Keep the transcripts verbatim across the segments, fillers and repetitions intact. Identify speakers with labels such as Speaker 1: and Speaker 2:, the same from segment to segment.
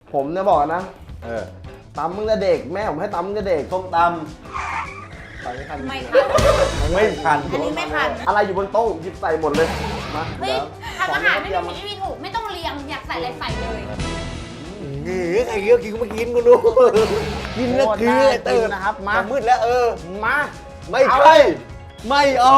Speaker 1: ผมเนี่ยบอกนะ
Speaker 2: เออ
Speaker 1: ตำมึงแต่เด็กแม่ผมให้ตำมึงแต่เด็ก
Speaker 2: ส้มต
Speaker 1: ไปไม่ทัน
Speaker 3: ไม่ทัน
Speaker 2: ำไม่ทัน
Speaker 3: อันนี้ไม่ทัน
Speaker 1: อะไรอยู่บนโต๊ะหยิบใส่หมดเลยมา
Speaker 3: เฮ้ย
Speaker 1: ดี๋ว
Speaker 3: ทำอาหารไม่มีผิดไม่มีถูกไม่ต้องเรียงอยากใส่อะไรใส่เลย
Speaker 2: นี่ใครเกี่ยวกินก็มากินกูดูกินแล้วคือไอ้เติร์น
Speaker 1: นะครับมา
Speaker 2: มืดแล้วเออ
Speaker 1: มา
Speaker 2: ไม่ใช่ไม่เอา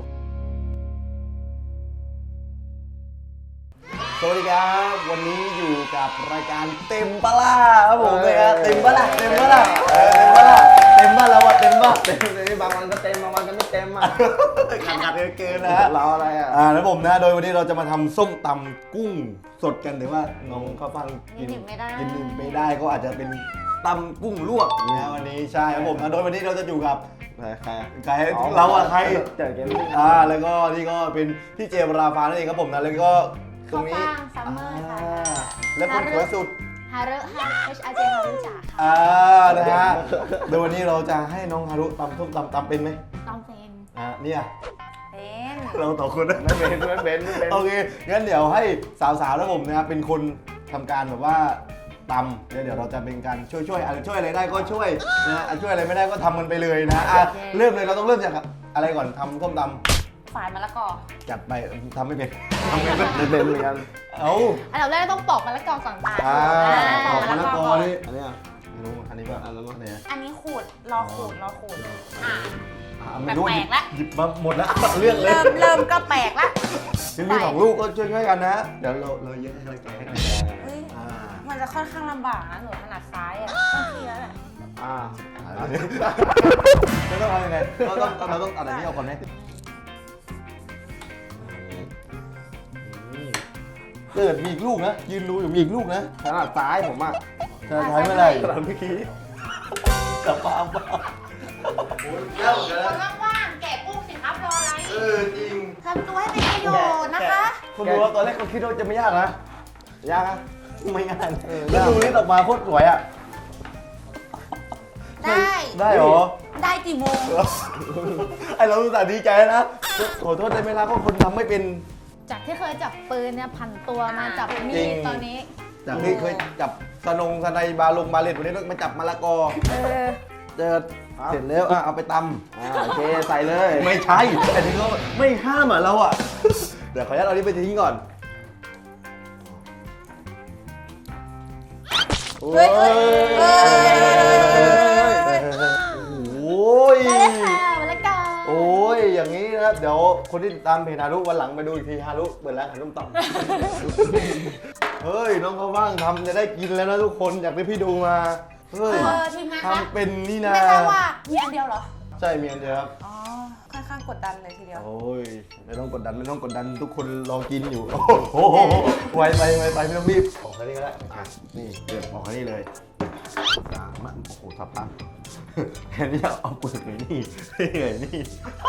Speaker 2: สวัสดีครับวันนี้อยู่กับรายการเต็มปะล่าครับผมเลยครับเต็มปะล่าเต็มปะล่าเออเต็มปะล่าเต็มปะแล้ววะเต็มปะ
Speaker 1: เต็มเลยบางวันก็เต็มบางวันก็ไม่เต็มอ่ะ
Speaker 2: ขาดขาดเกินนะฮะ
Speaker 1: รออะไรอ่ะ
Speaker 2: อ่าแล้วผมนะโดยวันนี้เราจะมาทำส้มตำกุ้งสดกันแต่ว่าน้องข้าวฟ่างกิน
Speaker 3: กินไม่ได้
Speaker 2: กินไม่ได้ก็อาจจะเป็นตำกุ้งลวกนะวันนี้ใช่ครับผมนะโดยวันนี้เราจะอยู่กับ
Speaker 1: ใครอะ
Speaker 2: ใครเราอะใคร
Speaker 1: เจอเกมนี้
Speaker 2: อ่าแล้วก็นี่ก็เป็นพี่เจมส์ราฟานั่นเองครับผมนะแล้วก็ตรงนี้
Speaker 3: ข้าวฟ่างซัมเมอร์ค่ะ
Speaker 2: อ่าและคนสวยสุด
Speaker 3: ฮารุฮา H R J ฮารุจ่าค่ะ
Speaker 2: อ่านะฮะโดยวันนี้เราจะให้น้องฮารุตำส้มตำตำเป็นไหม
Speaker 3: ต้องเป็น
Speaker 2: อ่าเนี่ย
Speaker 3: เป็น
Speaker 2: เราต่อคนนะ
Speaker 1: ไม่เป็นไม่เป็นไม่เป็น
Speaker 2: โอเค งั้นเดี๋ยวให้สาวๆแล้วผมนะครับเป็นคนทำการแบบว่าตำแล้วเดี๋ยวเราจะเป็นการช่วยช่วยอะไรช่วยอะไรได้ก็ช่วยนะอ่ะช่วยอะไรไม่ได้ก็ทำมันไปเลยนะอ่ะเริ่มเลยเราต้องเริ่มจากอะไรก่อนทำส้มตำ
Speaker 3: ฝายมะละกอ
Speaker 2: จัดไปทำไม่เป็นทำไม่เป็น
Speaker 1: ไม่เป็นเหมือนกัน
Speaker 2: เอา
Speaker 3: อันดับแรกต้องปอกมะละกอก่อนค่ะ
Speaker 2: อ่า
Speaker 3: ป
Speaker 2: ป
Speaker 3: อ
Speaker 2: อก ก
Speaker 3: มะ
Speaker 2: มะ
Speaker 3: ละ
Speaker 2: ละ
Speaker 3: ก
Speaker 2: ก
Speaker 3: อ
Speaker 2: อ
Speaker 3: ก่อน
Speaker 2: นี่อันนี้อ่ะไม่รู้อันนี้ก็อันนั้นก็เนี่ย
Speaker 3: อันนี้ขูดรอขูดรอขูดอ่ะ
Speaker 2: อ่ะไม่รู้
Speaker 3: แปลกๆละ
Speaker 2: หยิบมาหมดแล้วเลือกเลย
Speaker 3: เริ่มเริ่มก็แปลกละ
Speaker 2: ถึงมีสองลูกก็ช่วยๆกันนะ เดี๋ยวเราเราเยอะให้กำลังใจให้กำลังใจ
Speaker 3: เฮ้ย
Speaker 2: อ่า
Speaker 3: มันจะค่อนข้างลำบากนะหนูถนัดซ้ายอ่ะต้องทีแล้วแหละ
Speaker 1: อ่า
Speaker 2: เราต้องเอายังไงเราต้องเราต้องเอาอันนี้เอาก่อนไหมเกิดมีอีกลูกนะ ยืนดูอยู่มีอีกลูกนะ
Speaker 1: ขนาดซ้ายผมอ่ะ
Speaker 2: จะใช้เมื่อไหร่ขนาดเมื่อกี้กลับมาเอาเปล่าแล้ว
Speaker 3: คนว่างๆแกะกุ้งสิครับรออะไร
Speaker 2: เออจริง
Speaker 3: ทำตัวให้เป็นประโยชน์นะคะ
Speaker 2: คนดูว่าตอนแรกเขาคิดว่าจะไม่ยากนะ
Speaker 1: ยากอะ
Speaker 2: ไม่ง่ายแล้วดูนี่ออกมาโคตรสวยอ่ะ
Speaker 3: ได้
Speaker 2: ได้เหรอ
Speaker 3: ได้กี่โมง
Speaker 2: ไอเราอุตส่าห์ดีใจนะขอโทษได้ไหมล่ะก็คนทำไม่เป็น
Speaker 3: จากที่เคยจับปืนเนี่ยผันตัวมาจับมี
Speaker 2: จริ
Speaker 3: ด
Speaker 2: ง
Speaker 3: ตอนนี้
Speaker 2: จากที่เคยจับสนงสไนบาลงบาเลตวันนี้เรามาจับมะละกอ
Speaker 3: เออ
Speaker 2: เจอเสร็จแล้วอ่ะเอาไปต
Speaker 1: อ่าโอเคใส่เลย
Speaker 2: ำไม่ใช่แต่ที่เขาไม่ห้ามอ่ะเราอ่ะ เดี๋ยวขออนุญาตเอานี้ไปทิ้งก่อน
Speaker 3: เฮ้ยเฮ้ยเฮ้ย
Speaker 2: โอ้ย
Speaker 3: มาเลยค่ะมาเลยกัน
Speaker 2: โอ้ยอย่างนี้นะครับเดี๋ยวคนที่ติดตามเพจฮารุวันหลังไปดูอีกทีฮารุเปิดร้านขายส้มตำเฮ้ยน้องเขาว่างทำจะได้กินแล้วนะทุกคนอยากให้พี่ดูมาเฮ้ย
Speaker 3: เออทีมงานคะ
Speaker 2: ทำเป็นนี่นะ
Speaker 3: ไม่ทราบว่ามีอันเดียวเหรอ
Speaker 2: ใช่มีอันเดียวครับ
Speaker 3: อ๋อ ค่อนข้างกดดันเลยทีเดียว
Speaker 2: โอ้ยไม่ต้องกดดันไม่ต้องกดดันทุกคนรอกินอยู่ โอ้โหไวไปไวไปไม่ต้องรีบออกแค่นี้ก็ได้อ่ะนี่เดือดออกแค่นี้เลยอ่ะมันโอ้โหทับพังแทนที่จะเอาเปลือกไหนนี่นี่ไงนี่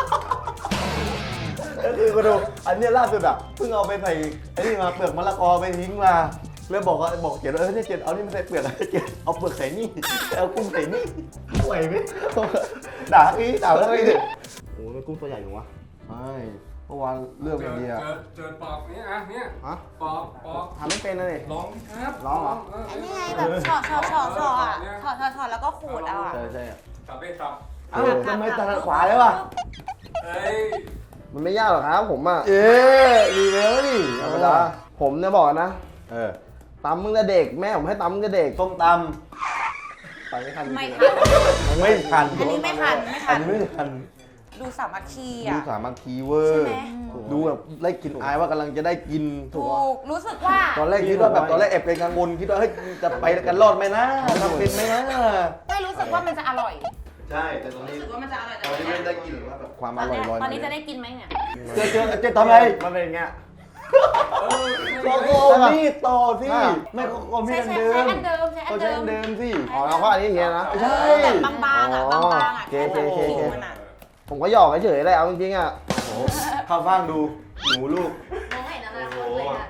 Speaker 2: ก็คือมาดูอันเนี้ยล่าสุดอ่ะเพิ่งเอาไปใส่ไอ้นี่มาเปลือกมะละกอไปทิ้งมาแล้วบอกว่าบอกเกียรติเออเนี่ยเกียรติเอานี่มาใส่เปลือกอะไรเกียรติเอาเปลือกใส่นี่เอากุ้งใส่นี่ไหวไหมด่าอีด่าแล้วอีดิ
Speaker 1: โอ้ยกุ้งตัวใหญ่อยู่วะ
Speaker 2: ใช่เมื่อวานเลือกอย่างเดียว
Speaker 4: เจอเจอปอกนี้อ่ะเนี่ย
Speaker 1: ฮะ
Speaker 4: ปอกปอก
Speaker 1: ทำไม่เป็นเลย
Speaker 4: ลองครับ
Speaker 1: ลองเหรอ
Speaker 3: อันนี้ไงแบบช็อตช็อตช็อตช็อตอ่ะช็อตช็อตช็อตแล้วก็ขูดเอาอ่ะ
Speaker 2: ใช่ใช่
Speaker 4: สับไปสับ
Speaker 2: เอ้าทำไมถนัดขวาแล้ววะ
Speaker 4: เอ้ย
Speaker 1: มันไม่ยากหรอกครับผมอ่ะ
Speaker 2: เอ๊ะดีแล้วนี่
Speaker 1: ธรรมดาผมเนี่ยบอกนะ
Speaker 2: เออ
Speaker 1: ตำมึงแต่เด็กแม่ผมให้ตำมึงแต่เด็ก
Speaker 2: ส้มต
Speaker 1: ไปไม่ทัน
Speaker 3: ไม่
Speaker 1: จริง
Speaker 3: ทัน
Speaker 2: ำไม่ทัน
Speaker 3: อันนี้ไม่ทันไม่ทั
Speaker 2: อั
Speaker 3: น
Speaker 2: นนี้ไม่ทัน
Speaker 3: ดูสามัคคี
Speaker 2: ดู
Speaker 3: อ่ะ
Speaker 2: สามัคคีเวอร์
Speaker 3: ใช่ไหม
Speaker 2: ดูแบบได้กลินอายว่ากำลังจะได้กิน
Speaker 3: ถูกรู้สึกว่า
Speaker 2: ตอนแรกคิดว่าแบบตอนแรกแอบเป็นกังวลคิดว่าเฮ้ยจะไปกันรอดไหมนะทำเป็นไหมนะ
Speaker 3: ไม่รู้สึกว่ามันจะอร่อย
Speaker 2: ใช่แต่ตอน
Speaker 3: รู้
Speaker 2: นี้
Speaker 3: สึกว่ามันจะอร่อยแต่
Speaker 2: ตอนนี้ไม่ได้กินหรือว่าแบบความ
Speaker 3: ต
Speaker 2: อ
Speaker 3: อน
Speaker 2: ร่อย
Speaker 3: นี้
Speaker 2: ลอย
Speaker 3: ตอนนี้
Speaker 2: มา
Speaker 3: จะ
Speaker 2: เลย
Speaker 3: ได้กินไหมเนี่ย
Speaker 2: เจอเจอเจอทำไง
Speaker 1: มันเป็นอย่างเงี้ย
Speaker 2: ก็โกมีดต่อสิไม่ก็โกมี
Speaker 3: ใช้
Speaker 2: ดอัน
Speaker 3: ใช้
Speaker 2: เดิม
Speaker 3: อันเดิมใช้อั
Speaker 2: ก็
Speaker 3: น
Speaker 2: ใช้
Speaker 3: เดิ
Speaker 2: อั
Speaker 3: ม
Speaker 2: นเดิมสิ
Speaker 1: อ๋อเราก็อันนี้อย่างเงี้ยนะ
Speaker 2: ใช่
Speaker 3: แบบบางๆอ่ะบางๆอ่ะ
Speaker 1: โอเคโอเคโอเค
Speaker 3: ผิวมันอ่ะ
Speaker 1: ผมก็หยอกเฉยๆเลยเอาจริงๆอ่ะ
Speaker 2: โอ้โหข้าวฟ่างดูหนูลูก
Speaker 3: มองเห็นอนาคตเลยอ่ะ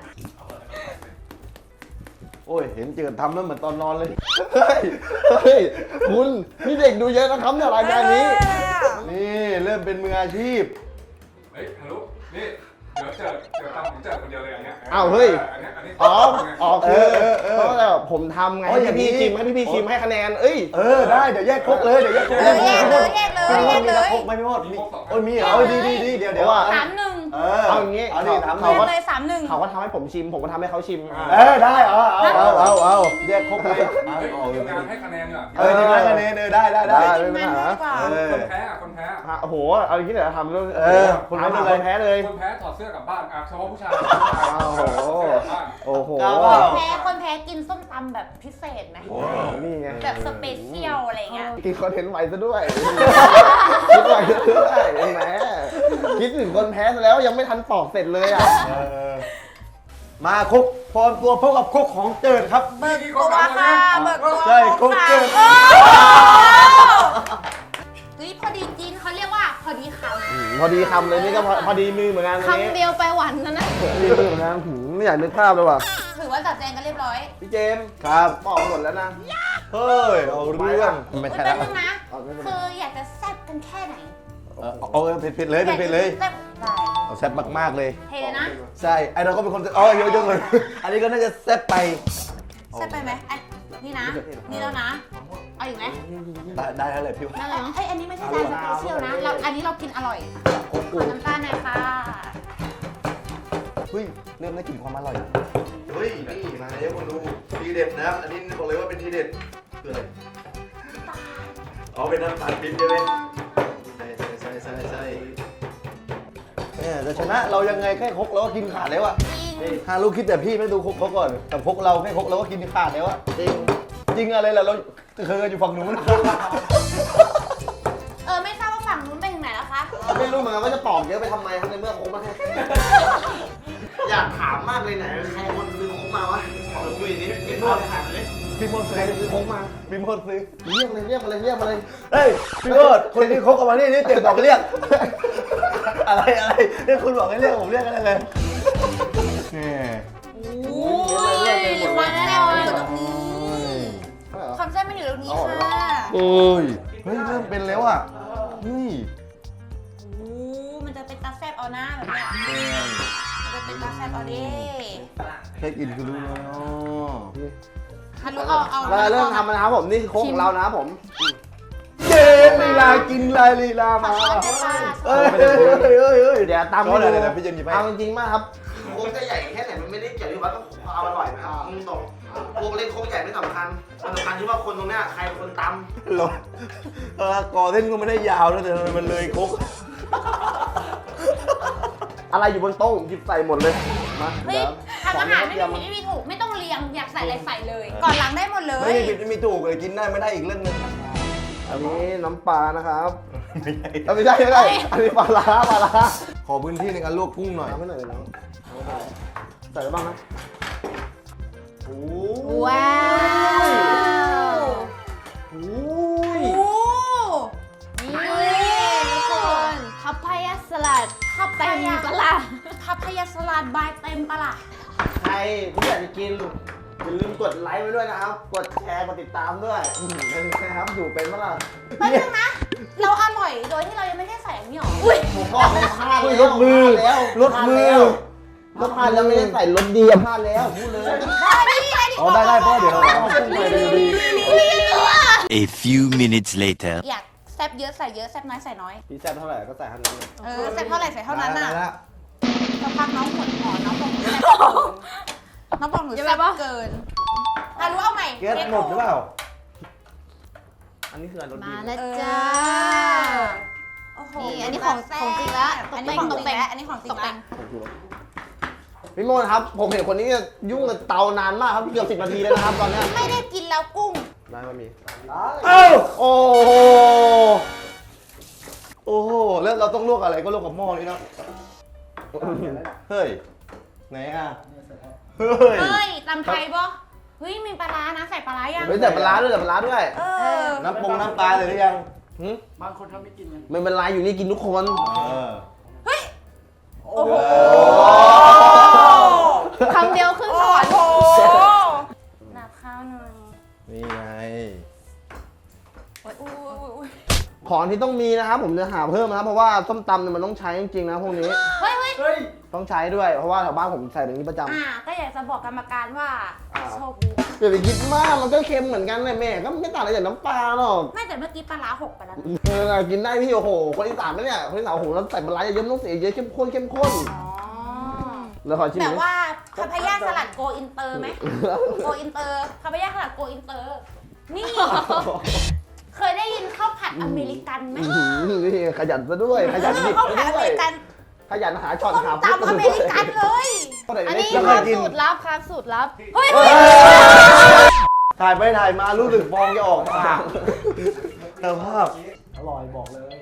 Speaker 2: โอ้ย เห็นเจิดทำแล้วเหมือนตอนนอนเลย
Speaker 1: เฮ้ยเฮ้ยคุณนี่เด็กดูเยอะนะครับเนี่ยรายการนี้
Speaker 2: นี่เริ่มเป็นมืออาชีพ
Speaker 4: เฮ้ยฮัลโหลนี่เดี๋ยวเจอเจอทำผมเจอคนเดียวเลยอันเนี้ย
Speaker 1: อ้าวเฮ้ย
Speaker 4: อันเนี้ยอันนี้
Speaker 1: อ๋ออ๋อคือ
Speaker 2: เออเออ
Speaker 1: เพราะว่าแบบผมทำไง
Speaker 2: อ๋อ
Speaker 1: ให้
Speaker 2: อย่างนี้
Speaker 1: พี่ๆชิมให้พี่ๆชิมให้คะแนนเอ้ย
Speaker 2: เออได้เดี๋ยวแยกครกเลยเดี๋ยวแยกครก
Speaker 3: เออแยกเลยแยกเลย
Speaker 2: พี่
Speaker 3: แย
Speaker 2: มด
Speaker 3: ก
Speaker 2: มี
Speaker 3: เล
Speaker 2: ตะ
Speaker 3: ย
Speaker 2: ครกไหมพี่มดมีโอ้ยมีเหรอเออดีดีดีเดี๋ยวเดี๋ยว
Speaker 3: สามหนึ่ง
Speaker 2: เออ
Speaker 1: เอาอย่างงี้
Speaker 2: เอาดิถาม
Speaker 3: แย
Speaker 2: เขา
Speaker 3: ก
Speaker 2: ว่า
Speaker 3: เลยสามหนึ่ง
Speaker 1: เขาก็ทำให้ผมชิม ผมก็ทำให้เขาชิมอ่ะ
Speaker 2: เออได้เอาเอาเอาเอาเอาแยกครกเลยเอา
Speaker 4: เฮ้ย
Speaker 2: เอา
Speaker 4: ทีม
Speaker 2: เลย
Speaker 4: งานให้คะแนนดีกว่า
Speaker 2: เออทีมงานคะแนนเออได้ได้ได้
Speaker 1: ได้
Speaker 3: ทีมงานดีกว่า
Speaker 2: เออ
Speaker 4: คนแพ้อะคนแพ้อะ
Speaker 1: อ่ะโอ้โห เอาอย่างนี้เลยเหรอทำเรื่อง
Speaker 2: เออคนแพ้
Speaker 1: ถามหา
Speaker 2: เลย
Speaker 1: คนแพ้เลย
Speaker 4: คนแพ้ถอดเสื้อกลับบ้านอ่ะเฉพาะผู้ชาย
Speaker 1: อ้าวโห โอ้โห
Speaker 2: กล้าเปล่า
Speaker 3: แพ้คนแพ้กินส้มตำแบบพิเศษไหม
Speaker 1: นี่ไง
Speaker 3: แบบสเปเชียลอะไรเงี้ย
Speaker 1: กินคอนเทนต์ไวซะด้วย คิดไวซะด้วยเห็นไหมคิดถึงคนแพ้ซะแล้วยังไม่ทันปอกเสร็จเลยอ่ะ
Speaker 2: เออมาครกพร้อมตัวพบกับครกของเจิดครับ
Speaker 3: เบิกตัวค่ะเบิกตัว
Speaker 2: ใช่ครบเกิน
Speaker 3: โอ้เฮ้ยพอดีกินเขาเรียกว่าพอดีค
Speaker 1: พอดีคำเลยนี่ก็พอพอดีมือเหมือนกัน
Speaker 3: ำ
Speaker 1: อันนี้
Speaker 3: คำเดียวไปหวันนะนะ
Speaker 1: พอดีมือเหมือนกันหืมไม่อยากนึกภาพเลยว่ะ
Speaker 3: ถือว่าจัดแจงกันเรียบร้อย
Speaker 1: พี่เจมส์
Speaker 2: ครับ
Speaker 1: ปอกหมดแล้วนะ
Speaker 2: เฮ้ยเอาเรื่องไม่
Speaker 3: อุ้ย
Speaker 2: ใช่
Speaker 3: เป็
Speaker 2: แล้
Speaker 3: น
Speaker 2: ว
Speaker 3: นึงนะ
Speaker 1: เอาไม่เป็นไร
Speaker 3: คืออยากจะแซ่บกันแค่ไหน
Speaker 2: เออเอาเผ็ดเผ็ดๆเลยเผ็ดเผ็ดๆเลย
Speaker 3: แซ่บได้
Speaker 2: เอาแซ่บมากๆเลย
Speaker 3: เทเลยนะ
Speaker 2: ใช่ไอเราก็เป็นคนอ๋อเยอะจังเลยอันนี้ก็น่าจะแซ่บไป
Speaker 3: แซ่บไปไหมไอ้นี่นะ นี่แล้วนะ เอาอีกไหม
Speaker 2: ได้ได้แล้วเลยพี่ว่า
Speaker 3: นั่นเลยไอ้ยอันนี้ไม่ใช่จานสเปเชียลนะ เราอันนี้เรากินอร่อย
Speaker 2: ครก
Speaker 3: ข
Speaker 2: กู
Speaker 3: อน้ำตาลหน่อยค่ะ
Speaker 2: เฮ้ยเริ่มได้กลิ่นความอร่อยเฮ้ยนี่มาเดี๋ยวคนดูทีเด็ดนะครับอันนี้บอกเลยว่าเป็นทีเด็ดคืออะไรอ๋อเป็นน้ำตาลปิ๊บใช่ไหมใช่ใช่ใช่ใช่ใช่เนี่ยจะชนะเรายังไงแค่ครกเราก็กินขาดแล้วอะ
Speaker 3: จริง
Speaker 2: ฮาลูกคิดแต่พี่ไม่ดูครกเขาก่อนแต่ครกเราแค่ครกเราก็กินขาดแล้วอะจริงจริงอะไรล่ะเราเคยอยู่ฝั่งนู้น
Speaker 3: เออไม่ทราบว่าฝั่งนู้นไปถึงไหนแล้วคะ
Speaker 1: ไม่รู้เหมือนกันว่าจะปอกเยอะไปทำไมครับในเมื่อคงมาให้อยากถามมากเลยไหนใครคนซื้อคงมาวะขอคุยนิดนิดหน่อยถามเลย
Speaker 2: พี่มดซื้
Speaker 1: ใคร
Speaker 2: อ
Speaker 1: ซื้อคงมา
Speaker 2: พี่มดซื้อ
Speaker 1: เรียกเลยเรียกมาเลยเรียกมาเลย
Speaker 2: เฮ้ยพี่มดคนที่ครกออกมานี่นี่เจ็บบอกเรียก อะไรอะไรเรียกคุณบอกให้เรียกผมเรียกกันได้เลยนี่
Speaker 3: โอ้ยความแซ่บมันอยู่ตรงนี้ความแซ่บมันอยู่ตรงนี้ค่ะ
Speaker 2: โอ้ยเฮ้ยเริ่มเป็นแล้วอ่ะเฮ้ย
Speaker 3: โอ้มันจะเป็นตาแซ่บเอาหน้าแบบเนี้ยมันจะเป็นตาแซ่บเอาดิ
Speaker 2: แค่กินคือรู้แล้วเนาะ
Speaker 3: ฮัลโหลเอาเอา
Speaker 1: เราเริ่มทำนะครับผมนี่คือโค้งของเรานะครับผม
Speaker 2: เจ๊ลีลากินลายลีลา
Speaker 3: ขอ
Speaker 2: มา
Speaker 3: ช้อนด้วยค่ะ
Speaker 2: เอ้ยเอ้ยเอ้ยเอ้ยเอ้ย
Speaker 1: เดี๋ยวตาม
Speaker 2: ช้อนอะไรนะพี่เจนหยิบให้
Speaker 1: เอาจริงๆมากครับโค้งจะใหญ่แค่ไหนมันไม่ได้เกี่ยวที่ว่าต้องเอาอร่อยนะครับมึงตรงโค้งเล็กโค้งใหญ่ไม่สำคัญมันสำคัญที่ว่าคนตรงเนี้ยใครเป็นคนตำ
Speaker 2: เราเออกอเส้นก็ไม่ได้ยาวนะแต่ทำไมมันเลยครก
Speaker 1: อะไรอยู่บนโต๊ะผมหยิบใส่หมดเลยมา
Speaker 3: เฮ้ยทำอาหารไม่มีผิดไม่มีถูกไม่ต้องเรียงอยากใส่อะไรใส่เลย ก่อนหลังได้หมดเลย
Speaker 2: ไม่มีผิดไม่มีถูกเลยกินได้ไม่ได้อีกเรื่องหนึง
Speaker 1: อันนี้น้ำปลานะครับ
Speaker 2: ไม่ใช่
Speaker 1: เอาไม่ใช่ไม่ใช่อันนี้ปลาร้าปลาร้า
Speaker 2: ขอพื้นที่ในการลวกกุ้งหน่อย
Speaker 1: เอาไม่หน่อยเลยน้องใส่ไปบ้างนะโอ้
Speaker 3: ว้าว
Speaker 1: โอ้
Speaker 3: โอ้
Speaker 1: ย
Speaker 3: นี่ทุกคนพับพายาสลัดพับเต็มปะล่ะพับพายาสลัดบายเต็มปะล่ะ
Speaker 1: ใครที่อยากจะกินอย่าลืมกดไลค์ไว้ด้วยนะครับ กดแชร์กดติดตามด้วยอืมนะครับอยู่เป็นเมื่อไหร่
Speaker 3: แป๊บนึงนะ เราอร่อยโดยที่เรายังไม่ได้ใส่อันนี้หรออุ้ย
Speaker 1: ผมบอกเลยพลาด
Speaker 2: อุ้ย
Speaker 1: แล้ว
Speaker 2: รถมือ
Speaker 1: พลาดแล้ว
Speaker 2: รถมือ
Speaker 1: พลาดแล้วแล้วพลาดแล้วไม่ได้ใส่รถดีอะพลาดแล้วพูดเลย
Speaker 3: ได้ดิได้ดิ
Speaker 2: อ๋อได้ได้พ่อเดี๋ยวเราเอากุ้งไปเลยดี
Speaker 5: A few minutes later.
Speaker 3: อยากแซ่บเยอะใส่เยอะแซ่บน้อยใส่น้อย
Speaker 1: พี่แซ่บเท่าไหร่ก็ใส่เท่านั้นเลย
Speaker 3: เออแซ่บเท่าไหร่ใส่เท่านั้นน่ะ
Speaker 2: ได้ละ
Speaker 3: สักพักน้องหมดหมอน้องบอกหนูแซ่บเกินน้องบอกหนูแซ่บเกินอ่ะรู้เอาใหม่
Speaker 2: แก๊สหมดหรือเปล่า
Speaker 1: อันนี้คือรถดี
Speaker 6: มา
Speaker 1: นะ
Speaker 6: แล้ว
Speaker 3: เออ
Speaker 6: จ้า
Speaker 3: โอ้โห
Speaker 6: นี่อันนี้ของของจริงละ
Speaker 3: อันนี้ของจริงแล้วอันนี้ของจริง
Speaker 6: ตกแต่
Speaker 3: แล้ว
Speaker 6: ง
Speaker 1: พี่โมนครับ ผมเห็นคนนี้ยุ่งกับเตานานมากครับเกือบสิบนาทีแล้วนะครับตอนเนี้ย
Speaker 3: ไม่ได้กินแล้วกุ้ง
Speaker 1: ได้ก็มี
Speaker 2: เอ้า
Speaker 1: โอ้โห
Speaker 2: โอ้โหแล้วเราต้องลวกอะไรก็ลวกกับหม้อนี่เนาะเฮ้ยไหนอ่ะเฮ้ย
Speaker 3: เฮ้ยตำไทยปะเฮ้ยมีปลาร้านะใส่ปลาร้ายัง
Speaker 1: เฮ้ยแต่ปลาร้าด้วยแต่ปลาร้าด้วย
Speaker 3: เออ
Speaker 2: น้ำปรุงน้ำปลาเลยหรือยัง
Speaker 1: หึ
Speaker 4: บางคนทำไม่กินกัน
Speaker 1: ไม่เป็นไรอยู่นี่กินทุกคน
Speaker 2: เออ
Speaker 3: เฮ้ยโอ้โห
Speaker 6: คำเดียวขึ้นสวรรค์
Speaker 3: นับข้าวหน่อย
Speaker 2: นี่ไง
Speaker 3: โอ้ยอุ้ยอุ้ยอุ้ย
Speaker 1: ของที่ต้องมีนะครับผมจะหาเพิ่มนะครับเพราะว่าส้มตำเนี่ยมันต้องใช้จริงๆนะพวกนี้
Speaker 3: เฮ้ยเฮ้ย
Speaker 4: เฮ้ย
Speaker 1: ต้องใช้ด้วยเพราะว่าแถวบ้านผมใส่แบบนี้ประจำ
Speaker 3: อ่าก็อยากจะบอกกรรมการว่า
Speaker 1: อ่า
Speaker 3: โชคดีนะ
Speaker 1: อย่าไปคิดมากมันก็เค็มเหมือนกันเลยแม่ก็ไม่ต่างอะไรจากน้ำปลาหรอก
Speaker 3: ไม่แต่เมื่อกี้ปลาร้าหกไปแล้วนะ
Speaker 1: เออกินได้พี่โอ้โหคนอีสานไหมเนี่ยคนอีสานโอ้โหเราใส่ปลาร้าเยอะๆต้องเสียเยอะเข้มข้นเข้มข้น
Speaker 3: อ๋อ
Speaker 1: แล้วขอชิม
Speaker 3: แต่
Speaker 1: ดิ
Speaker 3: ว่าคาพายาสลัดโกอินเตอร์ไหมโกอินเตอร์คาพายาสลัดโกอินเตอร์ นี่ เคยได้ยินข้าวผัดอเมริกันไหม
Speaker 1: อื้อหือนี่ขยันซะด้วยขยันดิบ
Speaker 3: ข้าว
Speaker 1: ซะ
Speaker 3: ผัดอ
Speaker 1: ด้
Speaker 3: เม
Speaker 1: วย
Speaker 3: ริกัน
Speaker 1: ขยันหาช็อต
Speaker 3: ต้ม
Speaker 1: หา
Speaker 3: ตำอเมริกันเลย
Speaker 6: อันนี้
Speaker 1: ยัง
Speaker 6: ค
Speaker 1: เค
Speaker 6: รั
Speaker 1: ย
Speaker 6: บ
Speaker 1: กิน
Speaker 6: สูตรลับครับสูตรลับ
Speaker 3: เฮ้ย
Speaker 1: ถ่ายไปถ่ายมารู้สึกฟองจะออกปาก
Speaker 2: เติมภาพ
Speaker 1: อืมอร่อยอร่อย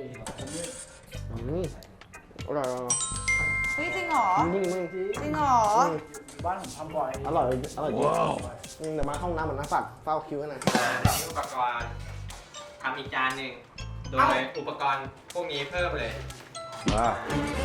Speaker 3: เฮ้ยจริงเหรอ
Speaker 1: มึงมึง
Speaker 3: จริงเหรอ
Speaker 1: อร่อยอร่อยจริงอืมเดี๋ยวมาห้องน้ำเหมือนน้ำฝักเฝ้าคิวให้หน่อย
Speaker 7: อุปกรณ์ทำอีกจานหนึ่งโดยอุปกรณ์พวกนี้เพิ่มเลย
Speaker 2: อ่า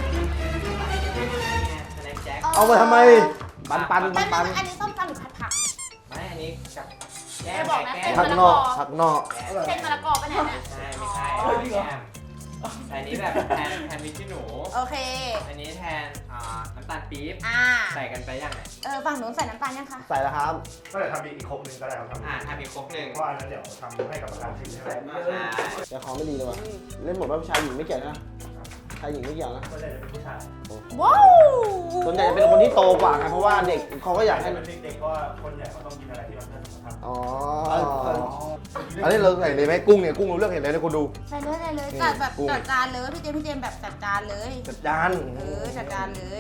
Speaker 7: สแน็คแจ็ค
Speaker 1: เอาไปทำไม ปันปันปั
Speaker 3: แต่
Speaker 1: นปัน
Speaker 3: อันนี้ส้มตำหรือผัดผัก
Speaker 7: ไม่อันนี้กับแก้
Speaker 3: อย่าม บอกนะ
Speaker 7: แก้ม
Speaker 1: ผักนอกผักนอก
Speaker 7: แก้ม
Speaker 3: เส้นมะละกอปะเนี่ยเนี่ย
Speaker 7: ใช่ไม่ใช่แก้มแต่อันนี้แบบแทนแทนพริกขี้หนู
Speaker 3: โอเค
Speaker 7: อันนี้แทนอ่าน้ำตาลปี๊บ
Speaker 3: อ่า
Speaker 7: ใส่กันไปยังไง
Speaker 3: เออฝั่งหนูใส่น้ำตาลยังคะ
Speaker 1: ใส่แล้วครับ
Speaker 2: ก็เดี๋ยวทำอีกครบหนึ่งก็ได้ครับทำ
Speaker 7: อ่าทำอีกครบหนึ่ง
Speaker 2: เพราะอันนั้นเดี๋ยวทำให้กับประธานชิมใช่ไหม
Speaker 7: ใช่
Speaker 1: แต่ของไม่ดีเลยว่ะเล่นหมดว่าชายหญิงไม่เกี่ยวนะชายหญิงไม่เกี่ยวนะ
Speaker 2: ก็เลยเป็นผู้ชาย
Speaker 3: ว้าว
Speaker 1: ส่วนใหญ่จะเป็นคนที่โตกว่าไงเพราะว่าเด็กเขาก็อยากให้
Speaker 2: เป็นเด็กๆก็คนใหญ่เขาต้องกินอะไรที่มันเพื่อนทำ
Speaker 1: อ๋อ
Speaker 2: อันนี้เราใส่เลยไหมกุ้งเนี่ยกุ้งเราเลือกเห็นเลยนะคุณดู
Speaker 3: ใส่เลยใส่เลย
Speaker 2: นี่
Speaker 3: จัดแบบ
Speaker 2: กุ้ง
Speaker 3: จัดจานเลยพี่เจมส์พี่เจมส์แบบจัดจานเลย
Speaker 2: จัดจาน
Speaker 3: เออจัดจานเลย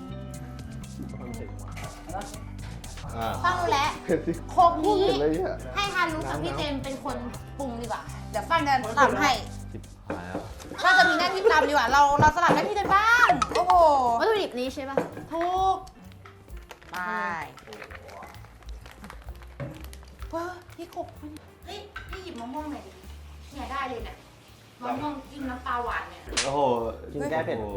Speaker 2: อ่า
Speaker 3: ฟังรู้แล้วโคก
Speaker 1: พูด
Speaker 3: นี้
Speaker 1: เห็นเลยเนี่ย
Speaker 3: ให้ฮารุกับพี่เจมส์เป็นคนปรุงดีกว่า เดี๋ยวฟังเดินตำให้เราจะมีหน้าที่ตำดีกว่า เราเราสลับหน้าที่กันบ้าง โอ้โห
Speaker 6: วัตถุดิบนี้ใช่ป่ะ
Speaker 3: ถูกไปเฮ้ยพี่ขบเฮ้ยพี่หยิบมะม่วงหน่อยดิเนี่ยได้เลยเนี่ยมะม่วงจิ้มน้ำปลาหวานเนี่ย
Speaker 2: โอ้โห
Speaker 1: กินแก้เผ็ด
Speaker 2: โอ้โห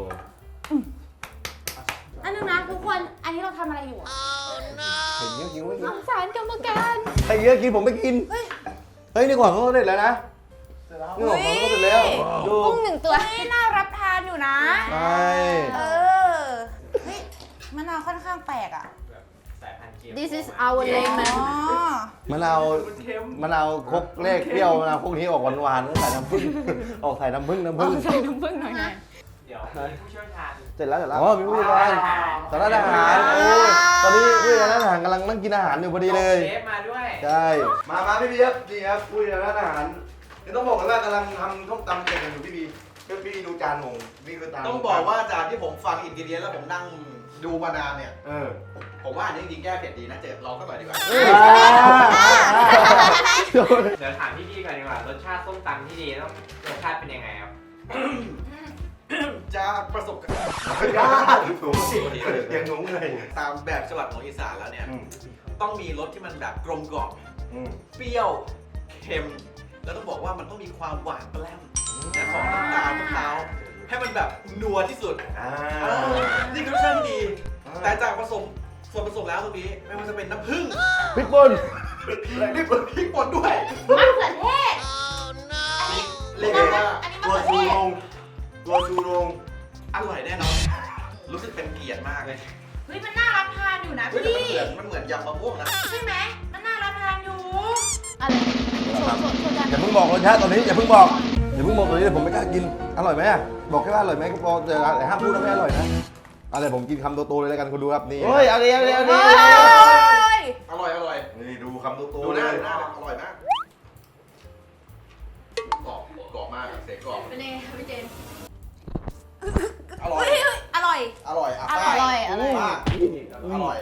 Speaker 3: อันนึงนะทุกคน อันนี้เราทำอะไรอยู่อะ
Speaker 2: เห็นเยอะกินไม่กิน
Speaker 6: สงสารกรรมการ
Speaker 2: ใครเยอะกินผมไม่กิน
Speaker 3: เฮ้ย
Speaker 2: เฮ้ยนี่ก่อนเขาเสร็จแล้วนะนี่ก่อนเขาเสร็จแล้วดู
Speaker 6: กุ้งหนึ่งตัว
Speaker 3: เฮ้ยน่ารับทานอยู่นะ
Speaker 2: ใช่
Speaker 3: เออ เฮ้ยมะนาวค่อนข้างแปลกอ่ะ
Speaker 7: สายพันธุ์เกี๊ยว
Speaker 6: This is our lemon
Speaker 3: อ๋อ
Speaker 2: มะนาวมะนาวครกเลขเปรี้ยวมะนาวพวกนี้ออกหวานๆใส่น้ำผึ้งออกใส่น้ำผึ้งน้ำผึ้ง
Speaker 6: ใส่น้ำผึ้งหน่อยไง
Speaker 7: เดี๋ยวมีผู้เชี่ยวชาญ
Speaker 1: เสร็จแล้วเสร็จแล้ว
Speaker 2: อ๋อมีผู้จัดการสารอาหารโอ้ยตอนนี้ผู้จัดการร้านอาหารกำลังนั่งกินอาหารอยู่พอดีเลย
Speaker 7: เชฟมาด้วย
Speaker 2: ใช่มามาพี่บีครับนี่ครับผู้จัดการร้านอาหารนี่ต้องบอกกันว่ากำลังทำส้มตำเก่งกันอยู่พี่บีพี่บีดูจานผมนี่คือจาน
Speaker 8: ต้องบอกว่าจากที่ผมฟังอินกิเดียนแล้วผมนั่งดูมานานเนี่ย
Speaker 2: เออ
Speaker 8: ผมว่าอันนี้จริงๆแก้เผ็ดดีนะเจอลองสักหน่อยดีกว่า
Speaker 7: เดี๋ยวถามพี่พี่ก่อนดีกว่ารสชาติส้มตำที่ดีต้องรสชาติเป็นยังไงครับ
Speaker 8: จากประสบการณ์
Speaker 2: ยากสูงสิเสียงหนุ่มเลย
Speaker 8: ตามแบบฉบับของอีสานแล้วเนี่ย
Speaker 2: อืม
Speaker 8: ต้องมีรสที่มันแบบกลมกล่อม
Speaker 2: อืม
Speaker 8: เปรี้ยวเค็ม แล้วต้องบอกว่ามันต้องมีความหวานแปร่มนะของน้ำตาลมะพร้าวให้มันแบบนัวที่สุด
Speaker 2: อ่า
Speaker 8: เออนี่คือรสชาติที่ดี แต่จากผสมส่วนผสมแล้วตรงนี้ไม่ว่าจะเป็นน้ำผึ้ง
Speaker 2: พริกป่น
Speaker 8: นี่เป็นพริกป่นด้วย
Speaker 3: มะเขือเทศ อันนี้
Speaker 8: เรียกได้ว่า
Speaker 3: อันนี้
Speaker 2: ตั
Speaker 3: มะ
Speaker 2: ว
Speaker 3: เขือ
Speaker 2: ชู
Speaker 3: เท
Speaker 2: โร
Speaker 3: ศ
Speaker 2: งตัวชูโรง
Speaker 8: อร่อยแน่นอน รู้สึกเป็นเกียรติมากเลย
Speaker 3: เฮ้ยมันน่ารับทานอยู่นะ
Speaker 8: เฮ้ยแต่
Speaker 3: พี่
Speaker 8: มันเหมือนมันเหมือนยำมะม่วงนะ
Speaker 3: ใช่ไหมมันน่ารับทานอยู่
Speaker 6: อะไรส่วนส่วนส่วนจาน
Speaker 2: อย่าเพิ่งบอกรสชาติตอนนี้อย่าเพิ่งบอกอย่าเพิ่งบอกตอนนี้เดี๋ยวผมไม่กล้ากินอร่อยไหมอะบอกแค่ว่าอร่อยไหมก็พอแต่ห้ามพูดว่าไม่อร่อยนะอะไรผมกินคำโตๆเลยแล้วกันคุณดูครับนี่
Speaker 1: เฮ้ยเอาดีเอาดีเอาดี
Speaker 3: เฮ้ย
Speaker 8: อร่อยอร่อย
Speaker 2: นี่ดูคำโต
Speaker 8: ดู
Speaker 2: ๆ
Speaker 8: ห
Speaker 2: เล
Speaker 8: น้าย ดูหน้าอร่อยมากกรอบกรอบมากอะเสียงกรอบ
Speaker 6: เป็นไงพี่เจมส์
Speaker 8: อร่อย
Speaker 3: เฮ้ยเฮ้ยอร่อย
Speaker 8: อร่อยอ่ะ
Speaker 3: อร่อย
Speaker 8: ป้า
Speaker 6: อร่อย
Speaker 8: ป้าอร่อย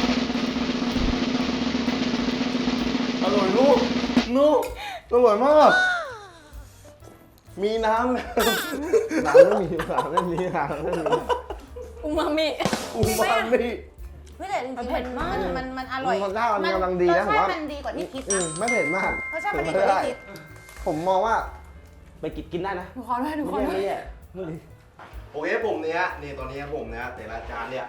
Speaker 2: อร่อยลูกลูกอร่อยมากมีน้ำ
Speaker 1: น้ำไม่มีน้ำไม่มีน้ำไม่มี
Speaker 6: อูมามิ
Speaker 2: อูมามิ
Speaker 3: เฮ้ยแต่จริงๆ
Speaker 6: เผ็ดมาก
Speaker 3: นมันมันอร่อย
Speaker 1: รสชาติมันกำลังดีนะ
Speaker 3: ร
Speaker 1: ผ
Speaker 3: ส
Speaker 1: ม
Speaker 3: ชา
Speaker 1: ว่า
Speaker 3: ติมันดีกว่าที่คิด
Speaker 1: อื
Speaker 3: นะ
Speaker 1: มไม่เผ็ดมาก
Speaker 3: รสชาติมันดีกว่าที่คิด
Speaker 1: ผมมองว่า ไปกินกินได้นะ
Speaker 6: หนูขอด้วยหนูขอ
Speaker 1: ไม่
Speaker 6: ด้วย
Speaker 1: แย่ไม่แย่
Speaker 2: โอเคผมเนี้ยนี่ตอนนี้ผมเนี้ยแต่ละจานเนี่ย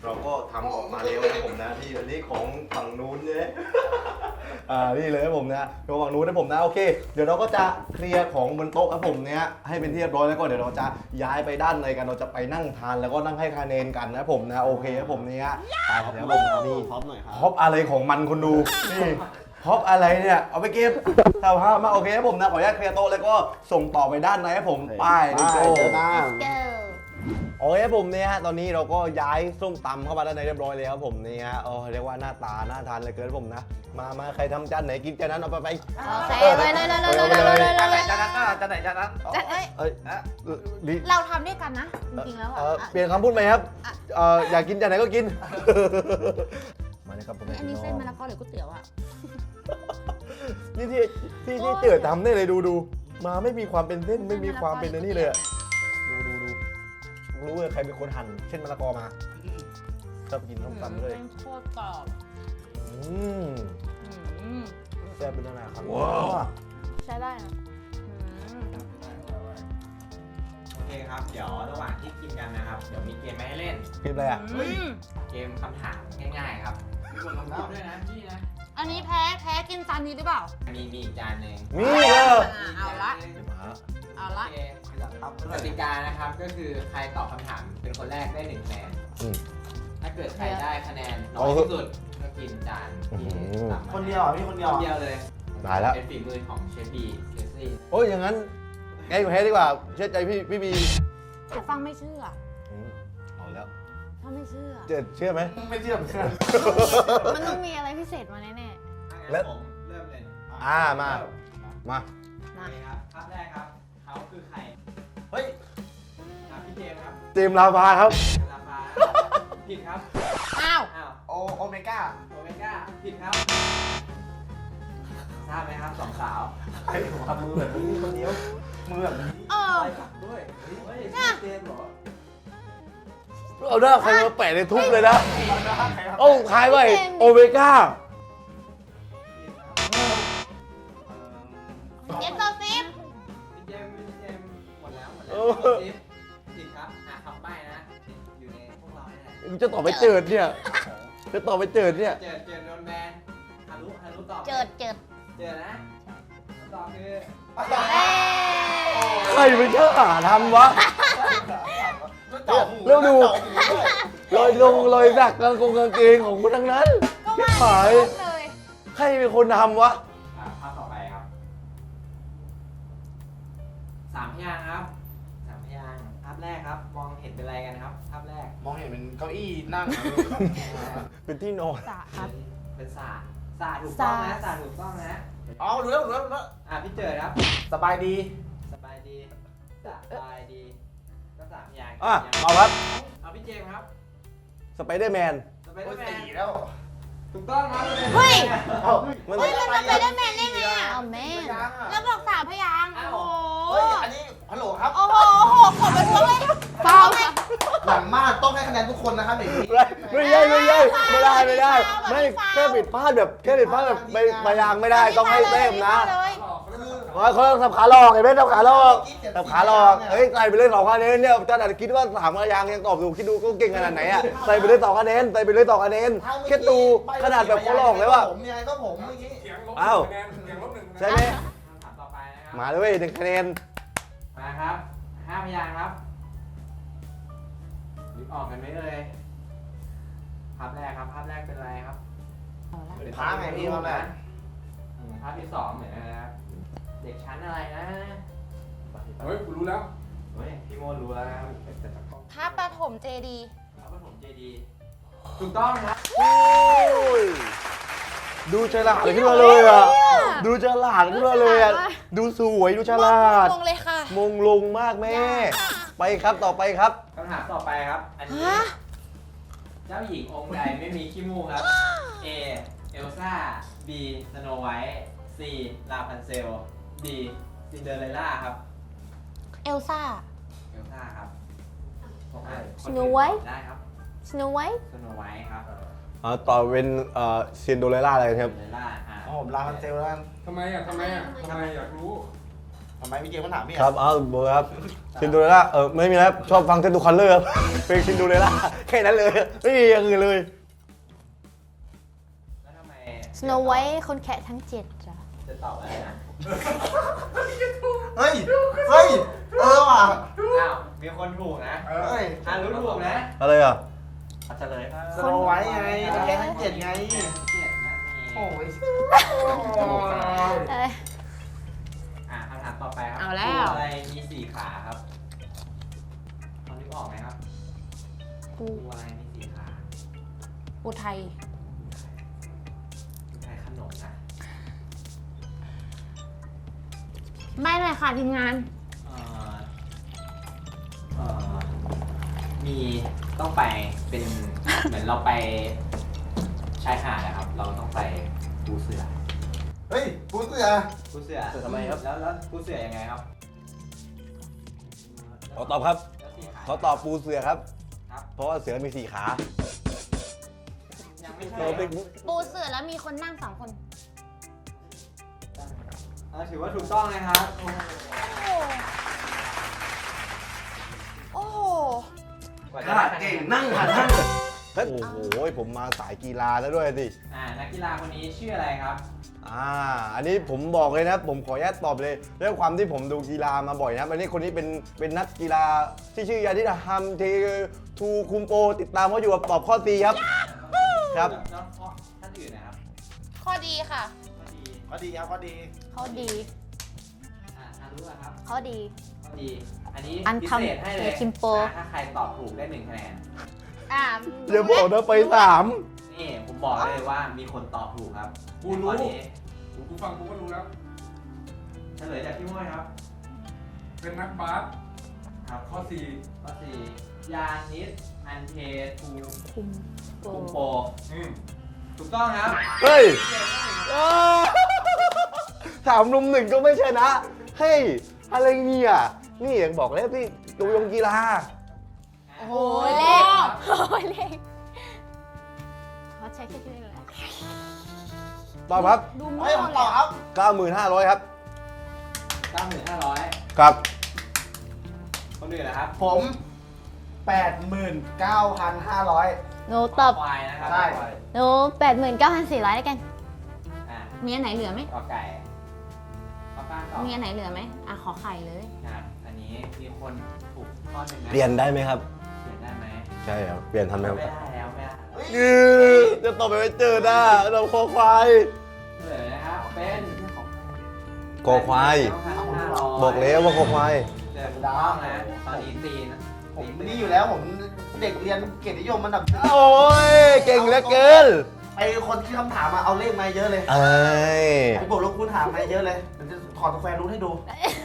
Speaker 2: เราก็ทำออกมาแล้วนะผมนะที่อันนี้ของฝั่งนู้นเนี่ยอ่านี่เลยครับผมนะของฝั่งนู้นนะผมนะโอเค เดี๋ยวเราก็จะเคลียร์ของบนโต๊ะครับผมเนี้ยให้เป็นที่เรียบร้อยแล้วก็เดี๋ยวเราจะย้ายไปด้านในกันเราจะไปนั่งทานแล้วก็นั่งให้คะแนนกันนะผมนะโอเคครับผมเนี้ยไปเดี๋ยวผมนี่
Speaker 1: พร้อมหน่อยครับ
Speaker 2: ฮอปอะไรของมันคุณดูนี่ฮอปอะไรเนี่ยเอาไปเก็บสภาพมาโอเคครับผมนะขออนุญาตเคลียร์โต๊ะแล้วก็ส่งต่อไปด้านในครับผมไปดิโก้
Speaker 1: เจอหน้า
Speaker 3: เกิล
Speaker 2: โอเคครับผมเนี่ยตอนนี้เราก็ย้ายส้มตำเข้ามาด้านในเรียบร้อยแล้วครับผมเนี่ยเออเรียกว่าหน้าตาน่าทานเหลยเกินครับผมนะมามาใครทำจานไหนกินจานนั้นเอาไปไป
Speaker 3: โอเคเลยเลยเลยเลยเลยเลยเลย
Speaker 8: จานไหน
Speaker 3: เลย
Speaker 8: จานนั้นอ่ะจานไหนจานนั้น
Speaker 3: เอ้ย
Speaker 2: เอ้ยลิ
Speaker 3: เราทำด้วยกันนะ จริงๆแล้ว
Speaker 2: เอ่อ
Speaker 3: อ่ะ
Speaker 2: เปลี่ยนคำพูดไหมครับเอ่ออยากกินจานไหนก็กินมาเลยครับผม
Speaker 3: อันนี้เส้นมะละกอหรือก๋วยเตี๋ยวอ่ะ
Speaker 2: นี่ที่ที่ที่เติร์ดทำได้เลยดูดูมาไม่มีความเป็นเส้นไม่มีความเป็นอันนี้เลยอะดูดูดูรู้เลยใครเป็นคนหั่นเช่นมะละกอมาชอบกินส้มตำเลย
Speaker 3: แม่งโคตรกรอบ
Speaker 2: อืม
Speaker 3: อืม
Speaker 2: แซ่บเป็นอะไรครับว้าว
Speaker 3: ใช้ได้นะอืม
Speaker 7: โอเคครับ เดี๋ยวระหว่างที่กินกันนะครับ เดี๋ยวมีเกมมาให้เล่น
Speaker 2: กินอะไรอ่ะ
Speaker 3: อืม
Speaker 7: เกมคำถามง่ายๆครับมีคนคำถามด้วยนะพี่นะ
Speaker 3: อันนี้แพ้แพ้กินจานนี้หรือเปล่า
Speaker 7: มีมีอีกจานหนึ่ง
Speaker 2: มีเหรอ
Speaker 3: อ่ะเอาละ เอาละ
Speaker 7: โอเคกติกานะครับก็คือใครตอบคำถามเป็นคนแรกได้หนึ่งคะแนน
Speaker 2: อืม
Speaker 7: ถ้าเกิดใครได้คะแนนน้อยที่สุดก็กินจานที่
Speaker 2: อืม
Speaker 7: ต่ำมา
Speaker 1: คนเดียวเหรอพี่คนเดียว
Speaker 7: คน
Speaker 1: เหรอ
Speaker 7: เดียวเลย
Speaker 2: ตายแล้ว
Speaker 7: เป็นฝีมือของเชฟบีเคซี่
Speaker 2: โอ้ยอย่างนั้นไงแพ้ดีกว่าเชื่อใจพี่พี่บี
Speaker 3: แต่ฟังไม่เชื่อ
Speaker 2: อืมเอาแล้ว
Speaker 3: ถ้าไม่เชื่อ
Speaker 2: เจอเชื่อไหม
Speaker 1: ไม่เชื่อไม่เชื่อ
Speaker 6: มันต้องมีอะไรพิเศษมาแน่
Speaker 7: ถ้า
Speaker 2: แล้
Speaker 7: งั้
Speaker 2: ว
Speaker 7: นผมเริ่มเลย
Speaker 2: อ่ามามา
Speaker 7: โอเคครับภาพแรกครับเขาคือใคร
Speaker 1: เฮ้ย
Speaker 7: ครับพี่เจมส์ครับ
Speaker 2: เตรียมลาพาครับ
Speaker 7: ราคาผิดครับ
Speaker 3: อ้าว
Speaker 7: อ้าว
Speaker 1: โอโอเมก้า
Speaker 7: โอเมก้าผิดครับทราบไหมครับสองสาว
Speaker 1: ใครทำมือแบบนี้คนเดียวมือแบบนี้
Speaker 3: เออ
Speaker 7: ไปกลับด้วยเฮ้ยเจมส์เหรอ
Speaker 2: เอาหน้าใครมาแปะในทุบเลยนะ
Speaker 1: ใครทำ
Speaker 2: โอ้คล้ายไว้โอเมก้า
Speaker 3: เย็นโซซิฟ
Speaker 7: พี่เจมส์พี่เจมส์หมดแล้วหมดแล้วผิดผิดครับอ่ะคำใบ้นะอยู่ในพวกเราเนี่ยแหละ
Speaker 2: จะต่อไปเจิดเนี่ยจะต่อไปเจิดเนี่ย
Speaker 7: เจอเจอโดนแบนฮารุฮารุตอบ
Speaker 3: เจิดเจิด
Speaker 7: เจอนะคำตอบคือ
Speaker 3: เอ้ย
Speaker 2: ใครเป็นเจ้าหาทำวะ แล้วดู ลอยลงลอยสักกางกงกางเกงของคนทั้งนั้น
Speaker 3: ก็ว่า
Speaker 2: หาย
Speaker 3: เลย
Speaker 2: ใครเป็นคนทำวะ
Speaker 7: อ่ะภาพต่อไปครับสามพยางค์ครับสามพยางค์ภาพแรกครับ มองเห็นเป็นอะไรกันครับ ภาพแรก
Speaker 1: มองเห็นเป็นเก้าอี้นั่ง
Speaker 2: เป็นที่นอน
Speaker 3: สะครับ
Speaker 7: เป็นศาสตร์ศาสตร์ถูกต้องนะศาสตร์ถูกต้องนะ
Speaker 1: อ๋อรู้แล้วรู้แล้วรู้แล้ว
Speaker 7: อ่ะพี่เจิดครับ
Speaker 1: สบายดี
Speaker 7: สบายดีสบายดีก็สามพยางค์
Speaker 2: อ่ะ
Speaker 7: สามพยางค์
Speaker 2: เอาครับ
Speaker 7: เอาพี่เจมส์ครับ
Speaker 2: สไปเดอร์แมน
Speaker 7: สไป
Speaker 1: โอ้
Speaker 7: เดอย ร์แมน
Speaker 1: สี่แล้ว
Speaker 7: ถูกต้องครับ
Speaker 3: เฮ้ย
Speaker 1: เอ้า
Speaker 2: มัน
Speaker 3: เฮ้ยมันจะไปได้แมนได้ไงอ่ะ
Speaker 6: ๆ เอาแม่
Speaker 1: ยังอ่ะ
Speaker 3: แล้วบอกสามพยางค์โอ้โห
Speaker 1: เฮ้ยอันนี้ฮัลโหลครับ
Speaker 3: โอ้โหโอ้โหขอไปทั่วเลยเปล่าไหม
Speaker 1: หลังมากต้องให้คะแนนทุกคนนะครับอย่างนี้
Speaker 2: ไม่ใช่ไม่ใช่ไม่ได้ไม่ได้ ไม่แค่ผิดพลาดแบบแค่ผิดพลาดแบบไม่มายางไม่ได้ต้องให้เต็มนะ
Speaker 3: เลย
Speaker 2: ว่าเขาต้องสับขาหลอกเห็นไหมสับขาหลอกสับขาหลอกเฮ้ยใส่ไปเลยสองคะแนนเนี่ยจะอาจจะคิดว่าสามมายางยังตอบถูกคิดดูก็เก่งขนาดไหนอ่ะใส่ไปเลยสองคะแนนใส่ไปเลยสองคะแนนแค่ดูขนาดแบบเขาหลอกเลยว่า
Speaker 1: ผมยังไงก็ผมเมื่อกี้
Speaker 4: เสียงลบห
Speaker 2: อ้าว
Speaker 4: นึ่งคะแนนเสียงลบหนึ่งคะแนน
Speaker 2: ใช่ไหม
Speaker 7: คำถามต่อไปนะครับ
Speaker 2: มาเลยเว้ยหนึ่งคะแนน
Speaker 7: มาครับห้าพยางค์ครับนึกออกกันไหมเอ่ยภาพแรกครับ ภาพแรกเป็นอะไรครับ
Speaker 1: เป็นพระไงพี่ครับแม่
Speaker 7: อืมภาพที่สองเหมือนกันนะครับ เด็กชั้นอะไรนะ
Speaker 4: เฮ้ยกูรู้แล้ว
Speaker 7: เฮ้ยพี่โมดรู้แล้วนะครับ
Speaker 3: พระปฐมเจดีย์
Speaker 7: พระปฐมเจดีย์ถูกต้องครับ
Speaker 2: โอ้ยดูฉลาดขึ้นมาเลยอ่ะดูฉลาดขึ้นมาเลยอ่ะดูสวยดูฉลาด
Speaker 3: ลงเลยค่ะ
Speaker 2: มงลงมากแม่ ไปครับต่อไปครับ
Speaker 7: คำถามต่อไปครับ อันนี้
Speaker 3: ฮะ
Speaker 7: เจ้าหญิงองค์ใดไม่มีขี้มูกครับ A เอลซ่า B สโนไวท์ C ลาพันเซล D ซินเดอเรลล่าครับ
Speaker 3: เอลซ่า
Speaker 7: เอลซ่าครับผมอ่าน
Speaker 6: Snow White
Speaker 7: ได้ครับ
Speaker 6: สโนไวท์
Speaker 7: สโนไวท์ครับ
Speaker 2: อ่าต่อเป็นเอ่อเซียนโดเรล่าอะไรครับ
Speaker 7: ซินเดอเรลล่าอ่า
Speaker 1: อ๋อผมลาพันเซลแล้วกัน
Speaker 4: ทำไมอ่ะทำไมอ่ะทำไมอยากรู้
Speaker 1: ผทำไมพี่เกมเขาถามพี่
Speaker 2: ครับเอาเบอร์ครับซินโดเรล่าเออไม่มีแล้วชอบฟังเทนตูคัลเลอร์ครับเพลงซินโดเรล่าแค่นั้นเลยไม่มีอย่างอื่นเลย
Speaker 7: แล้วทำไม
Speaker 6: Snow White คนแคะทั้งเจ็ดจ้ะ
Speaker 7: จะตอบอะไรนะ
Speaker 1: เฮ้ยเฮ้ยเออว่ะ
Speaker 7: อ้าวมีคนถูกนะ
Speaker 1: เฮ้ย
Speaker 7: อ่ารู้ถูกนะ
Speaker 2: อะไรอ่ะ
Speaker 7: เอาเฉลยครับ
Speaker 1: สโนไว้ไงแค่ทั้งเจ็ดไง
Speaker 7: เจ็ดนะมี
Speaker 1: โอ้ย
Speaker 6: อะไร
Speaker 7: อ่าคำถามต่อไปครั
Speaker 3: เอาแล้ว
Speaker 7: ตัวอะไรมีสี่ขาครับตอนนี้ออกไหมครับ
Speaker 6: กู
Speaker 7: ตัวอะไรมีสี่ขา
Speaker 3: อุทัย
Speaker 7: ใช้ขนมนะ
Speaker 3: ไม่เลยค่ะทีมงาน
Speaker 7: เอ่อเอ่อมีต้องไปเป็น เหมือนเราไปชายหาดนะครับ เราต้องไปปูเสือ
Speaker 1: เฮ้ยปูเสือ
Speaker 7: ปูเสือ
Speaker 2: เสือทำไมครับ
Speaker 7: แล้วแล้วปูเสือยังไงครับ
Speaker 2: ขอตอบครับ
Speaker 7: แล้วสี่ขา
Speaker 2: เขาตอบปูเสือครับ
Speaker 7: ครับ
Speaker 2: เพราะว่าเสือมีสี่ขา
Speaker 7: ยังไม่ใช่
Speaker 2: เราเป็น
Speaker 6: ปูเสือแล้วมีคนนั่งสองคน
Speaker 7: เออถือว่าถูกต้องนะครับ
Speaker 6: โอ้โห
Speaker 7: กว่า
Speaker 1: ข
Speaker 7: จะ
Speaker 1: นาด
Speaker 7: ได้คะแน
Speaker 1: เก่ง
Speaker 7: น
Speaker 1: นั่งหันนั่ง
Speaker 2: เฮ้ยโอ้โหผมมาสายกีฬาซะด้วยสิ
Speaker 7: อ่านักกีฬาคนนี้ชื่ออะไรครับ
Speaker 2: อ่า อันนี้ผมบอกเลยนะ ผมขออนุญาตตอบเลยด้วยความที่ผมดูกีฬามาบ่อยนะอันนี้คนนี้เป็นเป็นนักกีฬาที่ชื่อยานิดาฮัมเททูคุมโป ติดตามเขาอยู่กับตอบข้อตีครับ ครับ
Speaker 7: แล้วข้อท่านอื่นนะครับ
Speaker 3: ข้อดีค่ะ
Speaker 7: ข้อดี
Speaker 1: ก็ดีครับก็ดี
Speaker 6: เขาดี
Speaker 7: อ่าฮารุอะครับ
Speaker 6: เขาดี
Speaker 7: ข้อดี อันนี้
Speaker 6: อัน
Speaker 7: พิ
Speaker 6: ทำ
Speaker 7: เศษให้เลย
Speaker 6: เทคิมโป
Speaker 7: อ่าถ้าใครตอบถูกได้หนึ่งคะแนน
Speaker 3: อ่า
Speaker 2: อย่าบอกนะไปสาม
Speaker 7: นี่ผมบอกเลยว่ามีคนตอบถูกครับ
Speaker 4: กูรู้
Speaker 7: ข้อนี้
Speaker 4: กูกูฟังกูก็รู้แล้ว
Speaker 7: เฉลยจากพี่ม้วยครับ
Speaker 4: เป็นนักบาส
Speaker 7: ครับ
Speaker 4: ข้อสี่
Speaker 7: ข้อสี่ยานิสอันเททู
Speaker 6: คุมโป
Speaker 7: คุมโป
Speaker 4: อืม
Speaker 7: ถูกต้องครับ
Speaker 2: เฮ้ยเออถามลุมหนึ่งก็ไม่ชนะ เฮ้ย อะไรเนี่ย นี่อย่างบอกแล้วพี่ดูยงกีฬา
Speaker 3: โอ้โห
Speaker 6: โอ้ย
Speaker 3: เล
Speaker 6: เล
Speaker 3: ข
Speaker 6: ขโอ้ยเลขเขาใช้แค่ชื่อเลย
Speaker 2: ตอบครับ
Speaker 3: ดู
Speaker 1: เฮ้
Speaker 3: มั่
Speaker 1: ยว ผมตอบครับ
Speaker 2: เก้าหมื่นห้าร้อยครับ
Speaker 7: เก้าหมื่นห้าร้อย
Speaker 2: ครับ
Speaker 7: คนอื่นนะครับ
Speaker 1: ผมแปดหมื่นเก้าพันห้าร้อย
Speaker 6: หนูตอบ
Speaker 7: ควายนะครับ
Speaker 1: ใช่
Speaker 7: ควาย
Speaker 6: หนูแปดหมื่นเก้าพันสี่ร้อยแล้วกัน
Speaker 7: อ่า
Speaker 3: มีอันไหนเหลือไหม
Speaker 7: กอไก่ข้อป้างตอบ
Speaker 3: มีอันไหนเหลือไหมอ่ะขอไข่เลย
Speaker 7: ครับอันนี้มีคนถูกข้อหนึ่งนะ
Speaker 2: เปลี่ยนได้ไหมครับ
Speaker 7: เปลี่ยนได้ไหม
Speaker 2: ใช่ครับ เปลี่ยนทันไหมครับ
Speaker 7: ไม่ได้แล้วไม่ได้
Speaker 2: ยือจะตอบไปไม่เจอหน้าเราคอควาย
Speaker 7: เลยนะครับเป็น
Speaker 2: คอควาย บอกแล้วว่าคอควาย
Speaker 7: เดี๋ยวถูกต้องนะตอนนี้ตีนะ
Speaker 1: ผม
Speaker 7: ตี
Speaker 1: นี่อยู่แล้วผมเด็กเรียนเกียรตินิยมมันดับ
Speaker 2: โอ้ย เก่งเหลือเกิน
Speaker 1: ไอคนที่คำถามมาเอาเลขมาเยอะเลย
Speaker 2: เอ้ย
Speaker 1: ไอบวกลบคูณหารมาเยอะเลยเดี๋ยวจะถอดสแควร์รูทให้ดู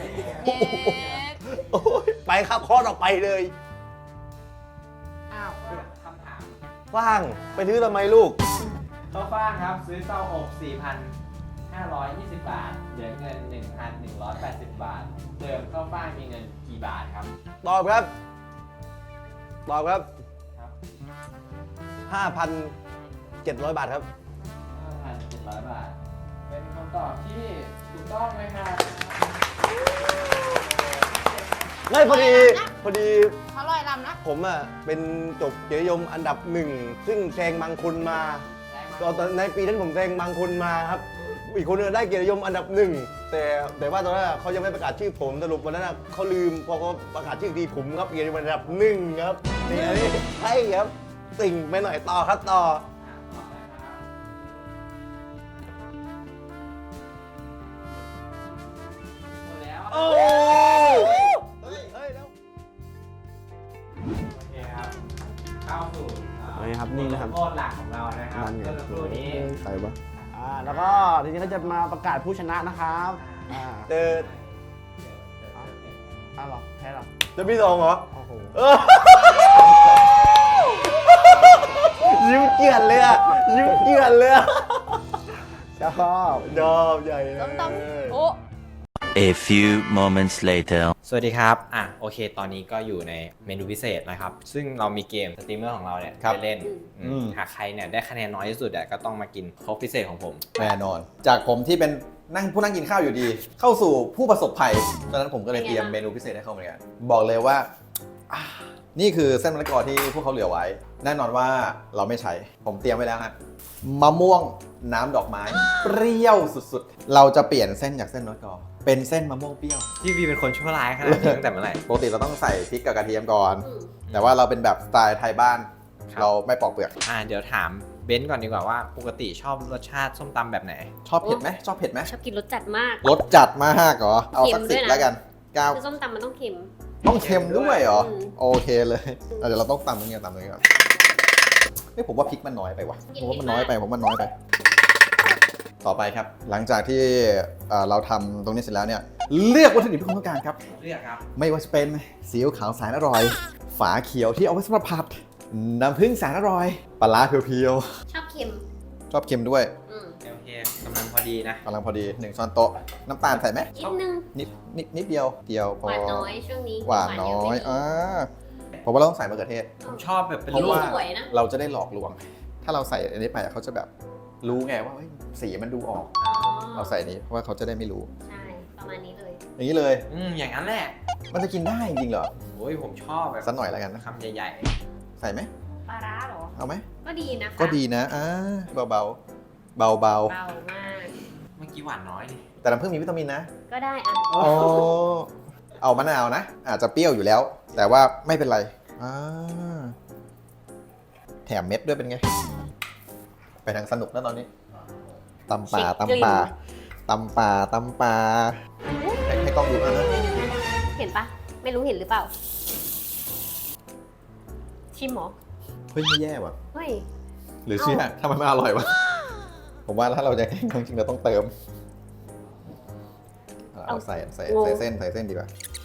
Speaker 2: โอ้ยไปครับข้อต่อไปเลย
Speaker 3: อ้าว
Speaker 7: คำถาม
Speaker 2: ว่างไปซื้อทำไมลูก
Speaker 7: ข้าวฟ่างครับซื้อเต้าอบสี่พันห้าร้อยยี่สิบบาทเหลือเงิน หนึ่งพันหนึ่งร้อยแปดสิบบาทเดิมข้าวฟ่างมีเงินกี่บาทครับ
Speaker 2: ตอบครับ ตอบครับ
Speaker 7: ครับ
Speaker 2: ห้าพันเจ็ดร้อยบาทครับ
Speaker 7: ห้าพันเจ็ดร้อยบาท เป็นคำตอบที่ถูกต้องไหมครับ
Speaker 2: ไม่พอดี พอดี
Speaker 3: เขาลอยลำนะ
Speaker 2: ผมอ่ะเป็นจบเกียรตินิยมอันดับหนึ่ง ซึ่งแซงบางคนมาตอนในปีนั้นผมแซงบางคนมาครับ อีกคนนึงได้เกียรตินิยมอันดับหนึ่ง แต่แต่ว่าตอนนั้นอะเขายังไม่ประกาศชื่อผมสรุปวันนั้นอะเขาลืมพอเขาประกาศชื่อทีผมครับเกียรตินิยมอันดับหนึ่งครับนี่อันนี้ใช่ครับติ่งไปหน่อยต่อครับต่อ
Speaker 7: อ่ะต่อนะครับหมดแล้ว
Speaker 2: โอ้
Speaker 1: เฮ้ย
Speaker 2: เฮ้ยแล้ว
Speaker 7: โอเคครับ เข้าสู่อ่า
Speaker 2: นี่ครับนี่นะครับ
Speaker 7: ทษหลักของเรานะครับ
Speaker 2: นั่นไง
Speaker 7: เมื่อสักครู่นี้
Speaker 2: ใครปะ
Speaker 1: อ่าแล้วก็ทีนี้ก็จะมาประกาศผู้ชนะนะครับอ่า
Speaker 2: เจอ
Speaker 1: อ้าวเหรอแพ้เหรอ
Speaker 2: จะมีสองเหรอ
Speaker 1: โอ้โห
Speaker 2: เออยิ้มเกลียดเลยอะยิ้มเกลียดเลยอะ
Speaker 1: ชอบ
Speaker 2: ดอบใหญ่เลย
Speaker 6: ต้มต้มโอ้
Speaker 5: A few moments later.
Speaker 7: สวัสดีครับ อ่ะ โอเค ตอนนี้ก็อยู่ในเมนูพิเศษนะครับ ซึ่งเรามีเกมสตรีมเมอร์ของเราเนี่ยไปเล่นอืมหากใครเนี่ยได้คะแนนน้อยที่สุดอ่ะก็ต้องมากินโค้กพิเศษของผม
Speaker 9: แน่นอน จากผมที่เป็น
Speaker 2: นั่งผู้นั่งกินข้าวอยู่ดี เข้าสู่ผู้ประสบภัยดังนั้นผมก็เลยเตรียมเมนูพิเศษให้เขาเหมือนกันบอกเลยว่าอ่านี่คือเส้นมะละกอที่พวกเขาเหลือไว้ แน่นอนว่าเราไม่ใช้ ผมเตรียมไว้แล้วฮะมะม่วงน้ำดอกไม้ เปรี้ยวสุดๆ เราจะเปลี่ยนเส้นจากเส้นมะละกอเป็นเส้นมะม่วงเปรี้ยว
Speaker 7: พี่วีเป็นคนชั่วร้ายขนาดนี้ตั้งแต่เมื่อไหร่
Speaker 2: ปกติเราต้องใส่พริกกับกระเทียมก่อน แต่ว่าเราเป็นแบบสไตล์ไทยบ้าน
Speaker 7: ครับ
Speaker 2: เราไม่ปอกเปลือก
Speaker 7: อ่าเดี๋ยวถามเบนซ์ก่อนดีกว่าว่าปกติชอบรสชาติส้มตำแบบไหน
Speaker 2: ชอบเผ็ดไหมชอบเผ็ดไหม
Speaker 6: ชอบกินรสจัดมาก
Speaker 2: รสจัดมากเหรอ เอาสัก
Speaker 6: เค็
Speaker 2: สิบ
Speaker 6: มด้วยนะ
Speaker 2: แล้วกันเก้า
Speaker 6: คือส้มตำมันต้องเค็ม
Speaker 2: ต้องเค็มด้วยเหรอ
Speaker 6: อืม
Speaker 2: โอเคเลยอ่ะเดี๋ยวเราต้องตำตรงนี้ก่อนตำตรงนี้ก่อนนี่ผมว่าพริกมันน้อยไปว่ะผมว่ามันน้อยไปผมว่ามันน้อยไป ต่อไปครับ หลังจากที่เอ่อเราทำตรงนี้เสร็จแล้วเนี่ยเลือกวัตถุดิบที่คุณต้องการครับ
Speaker 7: เลือกครับ
Speaker 2: ไม่ว่าจะเป็นซีอิ๊วขาวแสนอร่อย ฝาเขียวที่เอาไว้สำหรับผัด น้ำผึ้งแสนอร่อย ปลาร้าเพียว
Speaker 6: ชอบเค็ม
Speaker 2: ๆ ชอบเค็มด้วย
Speaker 6: อืม
Speaker 7: โอเคกำลังพอดีนะ
Speaker 2: กำลังพอดีหนึ่งช้อนโต๊ะ น้ำตาลใส่ไหม
Speaker 6: นิดนึง
Speaker 2: นิดนิดนิดเดียว เดียวพ
Speaker 6: ห
Speaker 2: อ
Speaker 6: วานน้อยช่วงนี้
Speaker 2: หวานน้อย
Speaker 6: เะ
Speaker 2: อ่าเพราะว่าเราต้องใส่มะเขือเทศ
Speaker 7: ผมชอบแบบเป็น
Speaker 2: เพราะ
Speaker 7: ลูก
Speaker 2: ว่า
Speaker 6: สวยนะ
Speaker 2: เราจะได้หลอกลวง ถ้าเราใส่อันนี้ไปอะเขาจะแบบรู้ไงว่าเฮ้ยสีมันดูออก
Speaker 6: อ๋อ
Speaker 2: เราใส่อันนี้เพราะว่าเขาจะได้ไม่รู้
Speaker 6: ใช่ ประมาณนี้เลย
Speaker 2: อย่างนี้เลย
Speaker 7: อืมอย่างนั้นแหละ
Speaker 2: มันจะกินได้จริงเหรอ
Speaker 7: โอ้ยผมชอบแบบ
Speaker 2: สักหน่อยแล้วกันนะ
Speaker 7: คำใหญ่
Speaker 2: ใส่ไหม
Speaker 6: ปลาร้าเหรอ
Speaker 2: เอาไหม
Speaker 6: ก็ดีนะคะ
Speaker 2: ก็ดีนะอ่าเบาๆ เบา
Speaker 6: เบามาก
Speaker 7: ๆ เมื่อกี้หวานน้อยนี่
Speaker 2: ๆ แต่น้ำผึ้งมีวิตามินนะ
Speaker 6: ก็ได้อ่ะ
Speaker 2: อ๋อเอามะนาวนะ อาจจะเปรี้ยวอยู่แล้ว แต่ว่าไม่เป็นไรอ่าแถมเม็ดด้วยเป็นไง ไปทางสนุกนะตอนนี้ตำป่าตำป่าตำป่าตำป่าให้ให้กล้องดูนะ
Speaker 6: เห็นปะ ไม่รู้เห็นหรือเปล่า ชิมเหรอ
Speaker 2: เฮ้ยไม่แย่ว่ะ
Speaker 6: เฮ้ย
Speaker 2: หรือเชื่อทำไมมันอร่อยวะ ผมว่าถ้าเราจะแข่งจริงๆเราต้องเติม เอาใส่ใส่ใส่เส้นใส่เส้นดีกว่า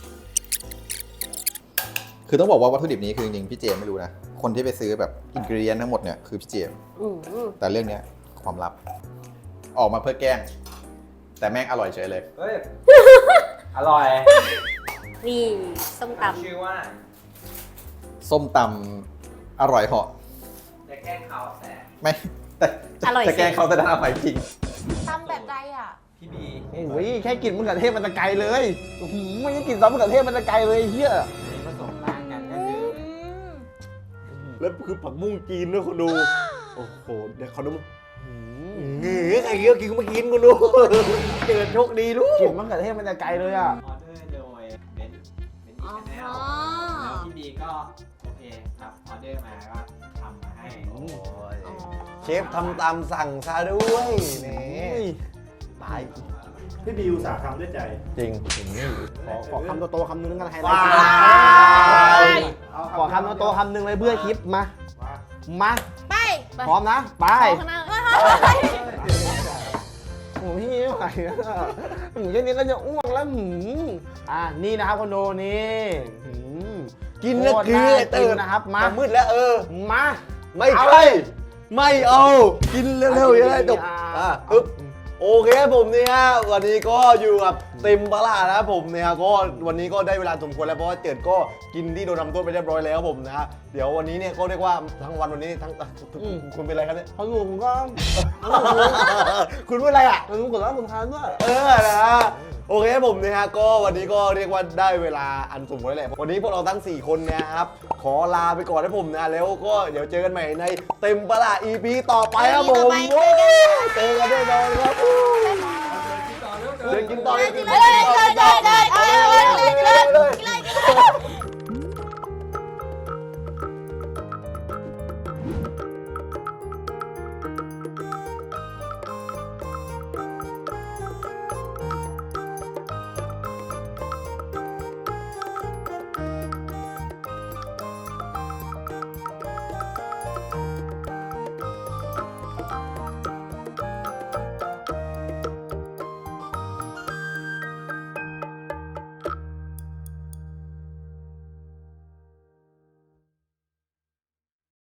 Speaker 2: คือต้องบอกว่าวัตถุดิบนี้คือจริงๆพี่เจมไม่รู้นะ คนที่ไปซื้อแบบอินกรีเดียนทั้งหมดเนี่ยคือพี่เจม
Speaker 6: อืม
Speaker 2: แต่เรื่องเนี้ยความลับ ออกมาเพื่อแกล้ง แต่แม่งอร่อยเฉยเลย
Speaker 7: เฮ้ย อร่อย
Speaker 6: นี่ส้มตำ
Speaker 7: ชื่อว่า
Speaker 2: ส้มตำอร่อยเหาะ
Speaker 7: จะแกล้งเขาแต่
Speaker 2: ไม่แต่
Speaker 6: อร่อยสิ
Speaker 2: จะแกล้งเขาแต่ด้านอร่อยจริง
Speaker 3: ทำแบบไรอ่ะ
Speaker 7: พี่บี
Speaker 1: โอ้ยแค่กลิ่นมะเขือเทศมันจะไกลเลยอื้อหือไม่ใช่กลิ่นซอสมะเขือเทศมันจะไกลเลยเฮีย
Speaker 7: ผสมต่างกันก็คือ
Speaker 2: แล้วคือผักบุ้งจีนด้วยคนดู โอ้โห เดี๋ยวเขาดูเงือใครเกี้ยวกินก็มากินกูดูเกิดโชคดีลู
Speaker 1: กลิ่
Speaker 2: ก
Speaker 1: นมะเขือเทศมันจะไกลเลยอ่ะ
Speaker 7: ออเดอร์โดยเบนซ์เบนซ์อีแนลแล้วพี่บีก็โอเคครับออเดอร์มาก็ทำมาให้
Speaker 2: เชฟทำตามสั่งซะด้วยนี่ตาย
Speaker 9: พี่บิวสาทำด้วยใจ
Speaker 2: จริง
Speaker 1: ขอขอคำโตๆคำนึงแล้วกันไฮไล
Speaker 2: ว้า
Speaker 1: ท์
Speaker 2: ย
Speaker 1: ขอคำโตๆคำนึงเลยเพื่อคลิปมา มา
Speaker 3: ไป
Speaker 1: พร้อมนะ ไป
Speaker 3: ขอข้างหน้าเฮ้ย
Speaker 1: โอ้พี่ไม่ไหวแล้วหมูแค่นี้ก็จะอ้วกแล้วหืมอ่านี่นะครับคอนโดนี่หืม
Speaker 2: กินแล้วคือ
Speaker 1: โตรน่า
Speaker 2: ตื่
Speaker 1: กิ
Speaker 2: น
Speaker 1: นะครับ มา
Speaker 2: มืดแล้วเออ
Speaker 1: มา
Speaker 2: ไม่ใช่ไม่เอา กินเร็วๆอย่างไรจบอ่ะปึ๊บโอเคผมเนี่ยฮะวันนี้ก็อยู่กับเต็มปลานะครับผมเนี่ยก็วันนี้ก็ได้เวลาสมควรแล้วเพราะว่าเจิดก็กินที่โดนทำโทษไปเรียบร้อยแล้วผมนะฮะเดี๋ยววันนี้เนี่ยก็เรียกว่าทั้งวันวันนี้ทั้งคุณเป็นอะไรครับเนี่ย
Speaker 1: เขาอยู่ผมก็
Speaker 2: คุณเป็นอะไรอ่ะ
Speaker 1: ผมกดแล้วผมทานด้วย
Speaker 2: เออนะฮะโอเคผมนะฮะก็วันนี้ก็เรียกว่าได้เวลาอันสมควรแล้วแหละวันนี้พวกเราทั้งสี่คนเนะครับขอลาไปก่อนนะผมนะแล้วก็เดี๋ยวเจอกันใหม่ในเต็มปลา อี พี ต่อไปครับผมโอ้ยเจอกันแน่นอนครับ
Speaker 4: ต่อเร็ว
Speaker 2: เดินกินต่อเดินกิน
Speaker 3: เฮ้
Speaker 2: ต่อย
Speaker 3: เจอเจอเจอ